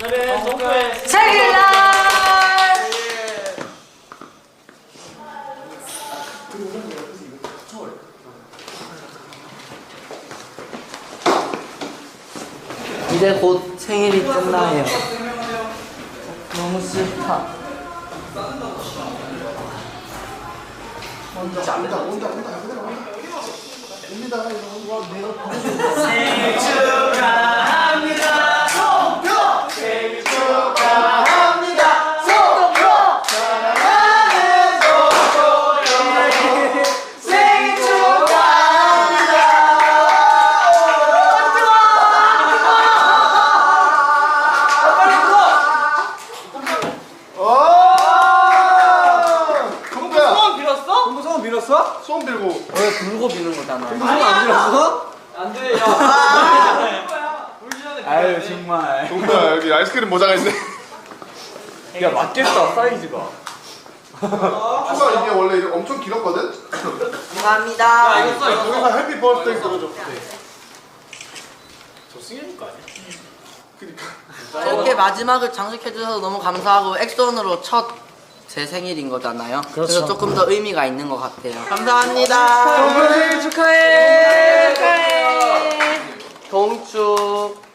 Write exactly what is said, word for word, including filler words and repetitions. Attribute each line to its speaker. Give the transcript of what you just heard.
Speaker 1: 그래, 동표의
Speaker 2: 생일날! 이제 곧 생일이 끝나요. 너무 싫다.
Speaker 3: 온다 온다 온다 온다 옵니다 옵니다.
Speaker 1: 생일 축하합니다. 송표 생일 축하합니다. 송표 사랑하는 송표 생일 축하합니다. 빨리
Speaker 3: 동표야
Speaker 1: 소원 빌었어?
Speaker 4: 동부 소원 빌었어?
Speaker 3: 소원 빌고
Speaker 2: 왜 불고 비는 거잖아.
Speaker 4: 동부 소원 안 빌었어?
Speaker 1: 안 돼, 야. 울기 전에
Speaker 4: 아유 정말.
Speaker 3: 동표야 여기 아이스크림 모자가 있네.
Speaker 4: 야 맞겠다 사이즈가.
Speaker 3: 추가 이게 원래 이게 엄청 길었거든.
Speaker 2: 감사합니다.
Speaker 1: 야, 이거 써, 이거 써.
Speaker 3: 여기서 해피 버스데이 써줘.
Speaker 1: 저 승현이 거 아니야?
Speaker 3: 그니까.
Speaker 2: 이렇게 마지막을 장식해주셔서 너무 감사하고 액션으로 첫 제 생일인 거잖아요. 그래서 조금 더 의미가 있는 것 같아요. 감사합니다.
Speaker 4: 동부 생일 축하해.
Speaker 2: 축하해. 동축.